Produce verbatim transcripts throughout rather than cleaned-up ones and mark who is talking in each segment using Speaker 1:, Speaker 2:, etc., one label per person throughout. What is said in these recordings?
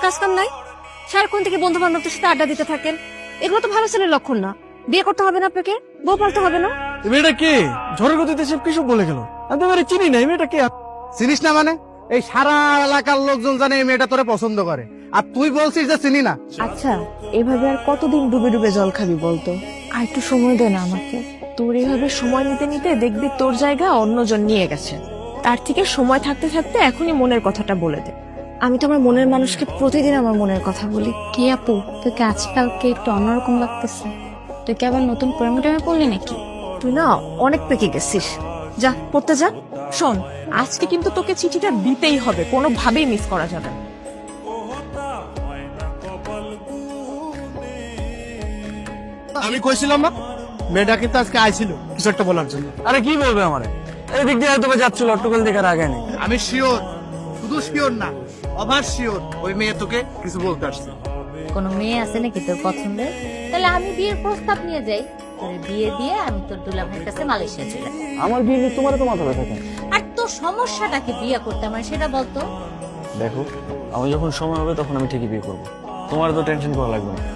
Speaker 1: কাজ কাম নাই? সারাক্ষণ থেকে বন্ধু বান্ধবদের সাথে আড্ডা দিতে থাকেন, এগুলো তো ভালো ছেলের লক্ষণ না। বিয়ে করতে হবে না আপনাকে, বউ পালতে হবে না।
Speaker 2: এই মেয়েটা কে? ঝড়ের গতিতে সব কিছু বলে গেল। আমি তো এবারে চিনি না, এই মেয়েটা কে?
Speaker 3: চিনিস না মানে? এই সারা এলাকার লোকজন জানে এই মেয়েটা তোরে পছন্দ করে, আর তুই বলছিস যে চিনি না।
Speaker 4: আচ্ছা, এভাবে আর কতদিন ডুবে ডুবে জল খাবি বলতো? আর একটু সময় দে না আমাকে। তোর এভাবে সময় নিতে নিতে দেখবি তোর জায়গা অন্যজন নিয়ে গেছে। তার থেকে সময় থাকতে থাকতে এখনই মনের কথাটা বলে দে।
Speaker 1: আমি তো আমার মনের মানুষকে প্রতিদিন আমার মনের কথা বলি।
Speaker 5: কি আপু, তোকে আজকালকে একটু অন্যরকম লাগতেছে। তুই কি আবার নতুন প্রেমে টেমে পড়লি নাকি?
Speaker 1: তুই না অনেক পেকে গেছিস, যা পড়তে যা।
Speaker 4: শোন, আজকে কিন্তু তোকে চিঠিটা দিতেই হবে, কোনোভাবেই মিস করা যাবে না।
Speaker 3: আমি কইছিলাম না মেয়েটা কিন্তু আজকে আইছিল কিছু একটা বলার জন্য।
Speaker 2: আরে কি বলবে আমারে? এই দিক দিয়ে হয়তো বা যাচ্ছিল, অট্টকল দেখার আগে নেই।
Speaker 3: আমি শিওর, শুধু শিওর না, অভার শিওর ওই মেয়ে তোকে কিছু বলতে আসছে।
Speaker 5: কোনো মেয়ে আছে নাকি তোর পছন্দের? তাহলে আমি বিয়ের প্রস্তাব নিয়ে যাই, তোর বিয়ে দিয়ে আমি তোর দুলা ভাইয়ের কাছে মালয়েশিয়া চলে যাই।
Speaker 2: আমার বিয়ে নিয়ে তোমার তো মাথা ব্যথা কেন?
Speaker 5: আর তোর সমস্যাটাকে বিয়ে করতে আমার সেটা বলতো।
Speaker 2: দেখো, আমি যখন সময় হবে তখন আমি ঠিকই বিয়ে করবো, তোমার তো টেনশন করা লাগবে না।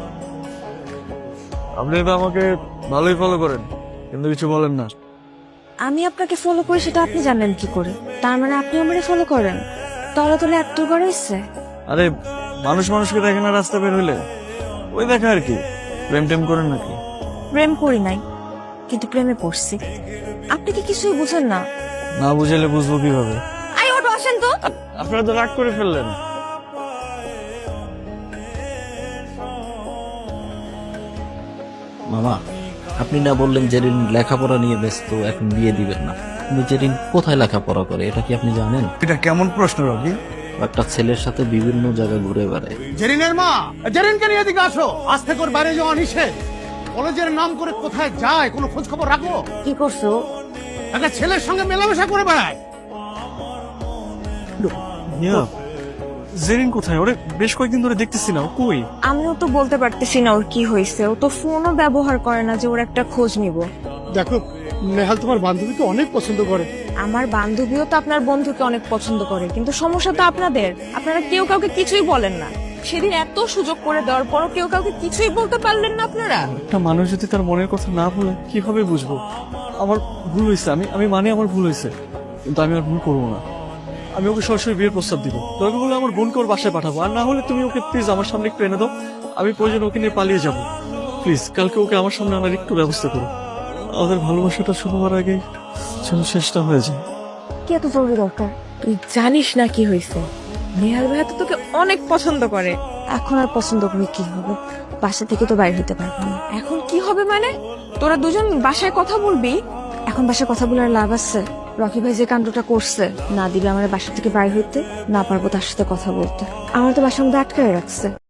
Speaker 2: আপনি তো আমাকে ভালোই ফলো করেন, কিন্তু কিছু বলেন না।
Speaker 1: আমি আপনাকে ফলো করি সেটা আপনি জানেন কি করে? তার মানে আপনি আমারে ফলো করেন? তলা তলে এত করে ইচ্ছে।
Speaker 2: আরে মানুষ মানুষকে দেখে না রাস্তা বের হইলে, ওই দেখা আর কি। প্রেম টেম করেন নাকি?
Speaker 1: প্রেম করি নাই, কিন্তু প্রেমে পড়ছি। আপনি কি কিছুই বুঝেন না?
Speaker 2: না বুঝাইলে বুঝবো কিভাবে?
Speaker 1: আই ওটো আসেন তো।
Speaker 2: আপনারা তো রাগ করে ফেললেন।
Speaker 6: মামা, আপনি না বললেন জেরিন লেখাপড়া নিয়ে ব্যস্ত, এখন বিয়ে দিবেন না। কিন্তু জেরিন কোথায় লেখাপড়া করে এটা কি আপনি জানেন?
Speaker 3: এটা কেমন প্রশ্ন রবি?
Speaker 6: একটা ছেলের সাথে বিভিন্ন জায়গায় ঘুরে বেড়ায়।
Speaker 3: জেরিনের মা, জেরিনকে নিয়ে এদিকে আসো। আজ থেকে ওর বাইরে যাওয়া নিষেধ। কলেজের নাম করে কোথায় যায় কোনো খোঁজ খবর রাখো?
Speaker 1: কি করছো?
Speaker 3: একটা ছেলের সঙ্গে মেলামেশা করে বেড়ায়।
Speaker 2: জেরিন কোথায়? ওরে বেশ কয়েকদিন ধরে দেখতেছি না, ও কই?
Speaker 4: আমিও তো বলতে পারতেছি না ওর কি হয়েছে। ও তো ফোনও ব্যবহার করে না যে ওর একটা খোঁজ নিব।
Speaker 3: দেখো, নেহাল তোমার বান্ধবীকে অনেক পছন্দ করে।
Speaker 4: আমার বান্ধবীও তো আপনার বন্ধুকে অনেক পছন্দ করে, কিন্তু সমস্যা তো আপনাদের, আপনারা কেউ কাউকে কিছুই বলেন না। সেদিন এত সুযোগ করে দেওয়ার পরও কেউ কাউকে কিছুই বলতে পারলেন না আপনারা।
Speaker 2: একটা মানুষ যদি তার মনের কথা না বলে কিভাবে বুঝবো? আমার ভুল হয়েছে, আমি আমি মানে আমার ভুল হয়েছে, কিন্তু আমি আর ভুল করবো না। আমি ওকে সরাসরি বিয়ের প্রস্তাব দিব। দরকার হলে আমার বোনকে ওর বাসায় পাঠাবো, আর না হলে তুমি ওকে প্লিজ আমার সামনে একটু এনে দাও। আমি প্রয়োজন ওকে নিয়ে পালিয়ে যাবো। প্লিজ কালকে ওকে আমার সামনে আনার একটু ব্যবস্থা করো। আমাদের ভালোবাসাটা শুরু হওয়ার আগে যেন শেষটা হয়ে যায়।
Speaker 4: কি এত জরুরি দরকার? তুই জানিস না কি হয়েছে? নেহাল ভাইয়া তো তোকে অনেক পছন্দ করে।
Speaker 1: এখন আর পছন্দ করে কি হবে? বাসা থেকে তো বাইরে হইতে পারবো না।
Speaker 4: এখন কি হবে মানে? তোরা দুজন বাসায় কথা বলবি?
Speaker 1: এখন বাসায় কথা বলে আর লাভ আছে? রকি ভাই যে কাণ্ডটা করছে, না দিবে আমার বাসা থেকে বাইরে হইতে, না পারবো তার সাথে কথা বলতে। আমার তো বাসার মধ্যে আটকায় রাখছে।